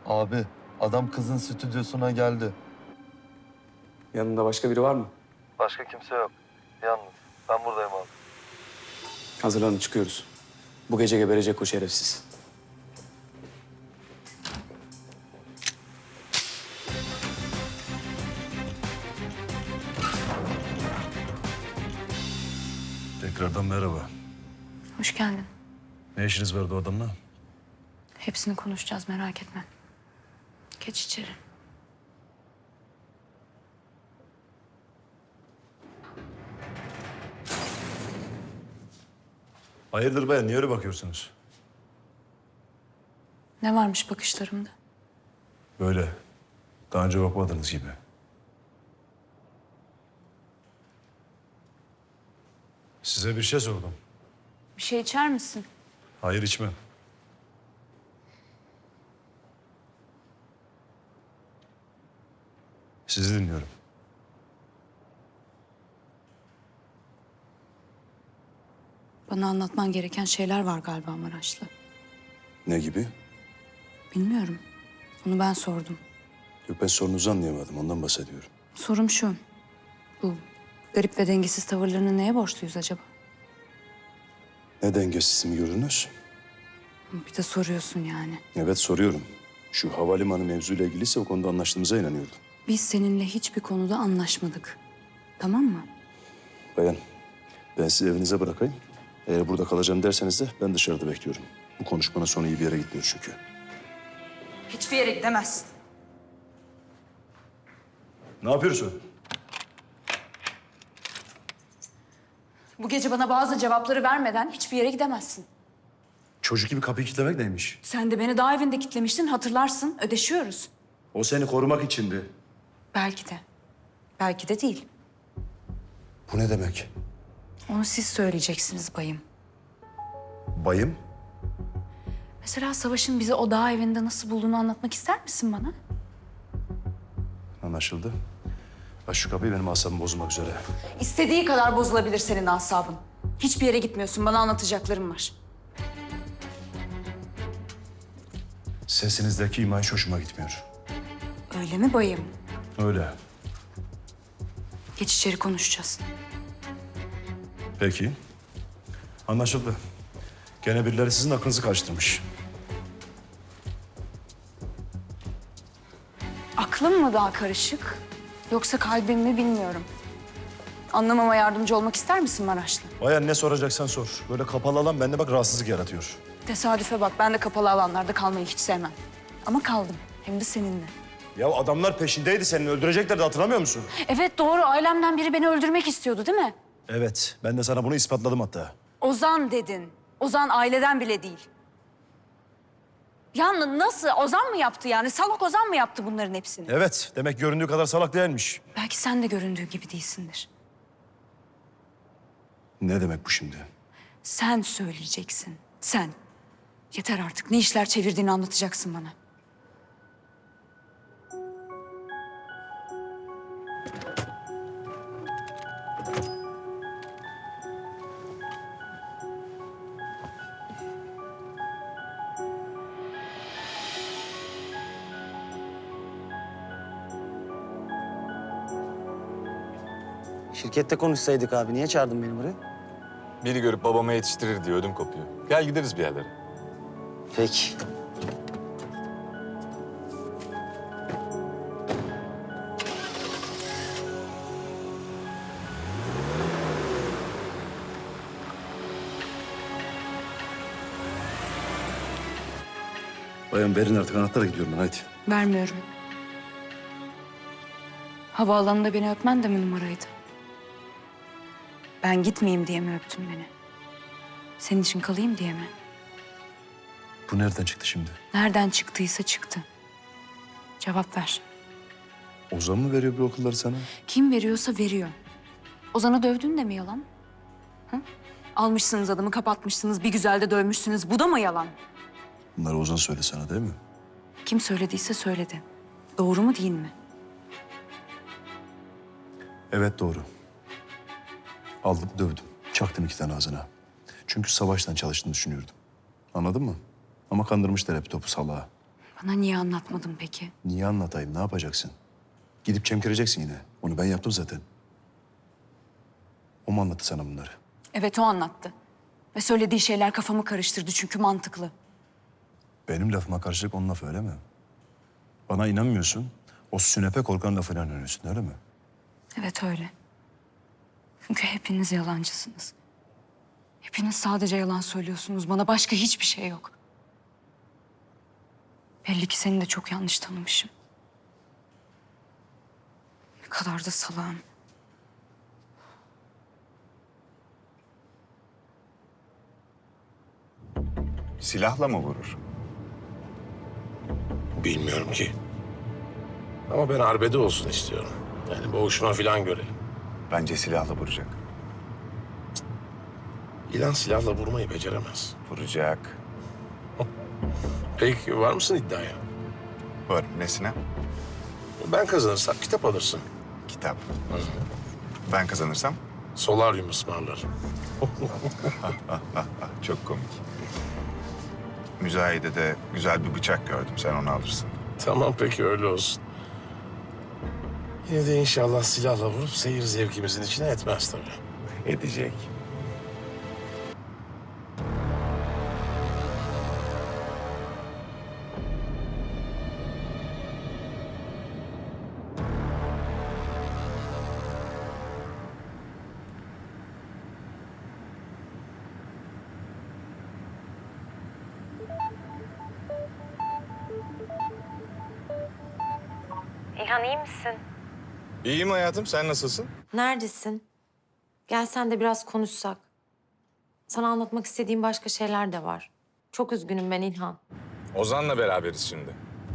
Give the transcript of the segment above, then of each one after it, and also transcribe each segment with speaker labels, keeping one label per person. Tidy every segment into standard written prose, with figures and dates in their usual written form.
Speaker 1: Abi, adam kızın stüdyosuna geldi.
Speaker 2: Yanında başka biri var mı?
Speaker 1: Başka kimse yok. Yalnız. Ben buradayım abi.
Speaker 2: Hazırlanın, çıkıyoruz. Bu gece geberecek o şerefsiz.
Speaker 3: Tekrardan merhaba.
Speaker 4: Hoş geldin.
Speaker 3: Ne işiniz vardı o adamla?
Speaker 4: Hepsini konuşacağız, merak etme. Geç içeri.
Speaker 3: Hayırdır bayan, niye öyle bakıyorsunuz?
Speaker 4: Ne varmış bakışlarımda?
Speaker 3: Böyle, daha önce bakmadığınız gibi. Size bir şey sordum.
Speaker 4: Bir şey içer misin?
Speaker 3: Hayır, içmem. Sizi dinliyorum.
Speaker 4: Bana anlatman gereken şeyler var galiba Maraşlı.
Speaker 5: Ne gibi?
Speaker 4: Bilmiyorum. Onu ben sordum.
Speaker 5: Yok, ben sorunuzu anlayamadım. Ondan bahsediyorum.
Speaker 4: Sorum şu. Bu garip ve dengesiz tavırlarını neye borçluyuz acaba?
Speaker 5: Ne dengesiz mi gördünüz?
Speaker 4: Bir de soruyorsun yani.
Speaker 5: Evet, soruyorum. Şu havalimanı mevzuyla ilgiliyse o konuda anlaştığımıza inanıyordum.
Speaker 4: Biz seninle hiçbir konuda anlaşmadık. Tamam mı?
Speaker 5: Bayan, ben sizi evinize bırakayım. Eğer burada kalacağım derseniz de ben dışarıda bekliyorum. Bu konuşmanın sonu iyi bir yere gitmiyor çünkü.
Speaker 4: Hiçbir yere gidemezsin.
Speaker 3: Ne yapıyorsun?
Speaker 4: Bu gece bana bazı cevapları vermeden hiçbir yere gidemezsin.
Speaker 3: Çocuk gibi kapıyı kilitlemek neymiş?
Speaker 4: Sen de beni dağ evinde kitlemiştin, hatırlarsın. Ödeşiyoruz.
Speaker 3: O seni korumak içindi.
Speaker 4: Belki de. Belki de değil.
Speaker 5: Bu ne demek?
Speaker 4: Onu siz söyleyeceksiniz bayım.
Speaker 3: Bayım?
Speaker 4: Mesela Savaş'ın bizi o dağ evinde nasıl bulduğunu anlatmak ister misin bana?
Speaker 5: Anlaşıldı. Aç şu kapıyı, benim asabımı bozmak üzere.
Speaker 4: İstediği kadar bozulabilir senin asabın. Hiçbir yere gitmiyorsun, bana anlatacaklarım var.
Speaker 5: Sesinizdeki iman hiç hoşuma gitmiyor.
Speaker 4: Öyle mi bayım?
Speaker 5: Öyle.
Speaker 4: Geç içeri konuşacağız.
Speaker 3: Peki. Anlaşıldı. Gene birileri sizin aklınızı karıştırmış.
Speaker 4: Aklım mı daha karışık, yoksa kalbim mi bilmiyorum. Anlamama yardımcı olmak ister misin Maraşlı?
Speaker 3: Bayan, ne soracaksan sor. Böyle kapalı alan bende bak rahatsızlık yaratıyor.
Speaker 4: Tesadüfe bak, ben de kapalı alanlarda kalmayı hiç sevmem. Ama kaldım, hem de seninle.
Speaker 3: Ya adamlar peşindeydi senin, öldüreceklerdi, hatırlamıyor musun?
Speaker 4: Evet doğru, ailemden biri beni öldürmek istiyordu değil mi?
Speaker 3: Evet, ben de sana bunu ispatladım hatta.
Speaker 4: Ozan dedin. Ozan aileden bile değil. Ya nasıl? Ozan mı yaptı yani? Salak Ozan mı yaptı bunların hepsini?
Speaker 3: Evet, demek göründüğü kadar salak değilmiş.
Speaker 4: Belki sen de göründüğü gibi değilsindir.
Speaker 5: Ne demek bu şimdi?
Speaker 4: Sen söyleyeceksin. Sen. Yeter artık. Ne işler çevirdiğini anlatacaksın bana.
Speaker 6: Şirkette konuşsaydık abi. Niye çağırdın beni buraya?
Speaker 7: Biri görüp babama yetiştirir diye ödüm kopuyor. Gel gideriz bir yerlere.
Speaker 6: Peki.
Speaker 5: Bayan, verin artık, anahtara gidiyorum ben, hadi.
Speaker 4: Vermiyorum. Havaalanında beni öpmen de mi numaraydı? Ben gitmeyeyim diye mi öptün beni? Senin için kalayım diye mi?
Speaker 5: Bu nereden çıktı şimdi?
Speaker 4: Nereden çıktıysa çıktı. Cevap ver.
Speaker 5: Ozan mı veriyor bu okulları sana?
Speaker 4: Kim veriyorsa veriyor. Ozan'ı dövdün de mi yalan? Hı? Almışsınız adamı, kapatmışsınız, bir güzel de dövmüşsünüz. Bu da mı yalan?
Speaker 5: Bunları Ozan söyledi sana, değil mi?
Speaker 4: Kim söylediyse söyledi. Doğru mu değil mi?
Speaker 5: Evet, doğru. Aldım, dövdüm. Çaktım 2 tane ağzına. Çünkü Savaş'tan çalıştığını düşünüyordum. Anladın mı? Ama kandırmışlar hep topu salağa.
Speaker 4: Bana niye anlatmadın peki?
Speaker 5: Niye anlatayım? Ne yapacaksın? Gidip çemkireceksin yine. Onu ben yaptım zaten. O mu anlattı sana bunları?
Speaker 4: Evet, o anlattı. Ve söylediği şeyler kafamı karıştırdı çünkü mantıklı.
Speaker 5: Benim lafıma karşılık onun lafı öyle mi? Bana inanmıyorsun. O sünepe korkan lafına inanıyorsun öyle mi?
Speaker 4: Evet öyle. Çünkü hepiniz yalancısınız. Hepiniz sadece yalan söylüyorsunuz. Bana başka hiçbir şey yok. Belli ki seni de çok yanlış tanımışım. Ne kadar da salağım.
Speaker 8: Silahla mı vurur?
Speaker 9: Bilmiyorum ki. Ama ben arbede olsun istiyorum. Yani boğuşma falan görelim.
Speaker 8: Bence silahla vuracak.
Speaker 9: İlan silahla vurmayı beceremez.
Speaker 8: Vuracak.
Speaker 9: Peki var mısın iddiaya?
Speaker 8: Var. Nesine?
Speaker 9: Ben kazanırsam kitap alırsın.
Speaker 8: Kitap. Ben kazanırsam
Speaker 9: Solaryum ısmarlarım.
Speaker 8: çok komik. Müzayedede güzel bir bıçak gördüm. Sen onu alırsın.
Speaker 9: Tamam peki öyle olsun. Yine de inşallah silahla vurup seyir zevkimizin içine etmez tabii.
Speaker 8: Edecek.
Speaker 10: İlhan iyi misin?
Speaker 7: İyiyim hayatım, sen nasılsın?
Speaker 10: Neredesin? Gel sen de biraz konuşsak. Sana anlatmak istediğim başka şeyler de var. Çok üzgünüm ben İlhan.
Speaker 7: Ozan'la beraberiz şimdi.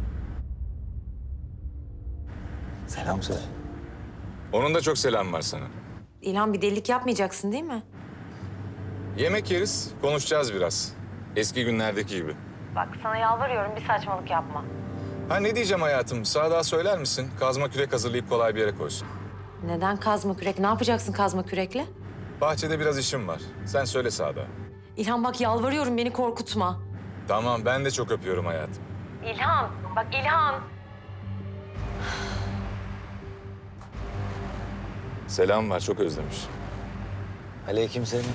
Speaker 6: Selam söyle.
Speaker 7: Onun da çok selam var sana.
Speaker 10: İlhan bir delilik yapmayacaksın değil mi?
Speaker 7: Yemek yeriz, konuşacağız biraz. Eski günlerdeki gibi.
Speaker 10: Bak sana yalvarıyorum bir saçmalık yapma.
Speaker 7: Ha ne diyeceğim hayatım, Sadık'a söyler misin? Kazma kürek hazırlayıp kolay bir yere koysun.
Speaker 10: Neden kazma kürek? Ne yapacaksın kazma kürekle?
Speaker 7: Bahçede biraz işim var. Sen söyle Sadık'a.
Speaker 10: İlhan bak yalvarıyorum beni korkutma.
Speaker 7: Tamam, ben de çok öpüyorum hayatım.
Speaker 10: İlhan bak İlhan.
Speaker 7: Selam var, çok özlemiş.
Speaker 6: Aleykümselam.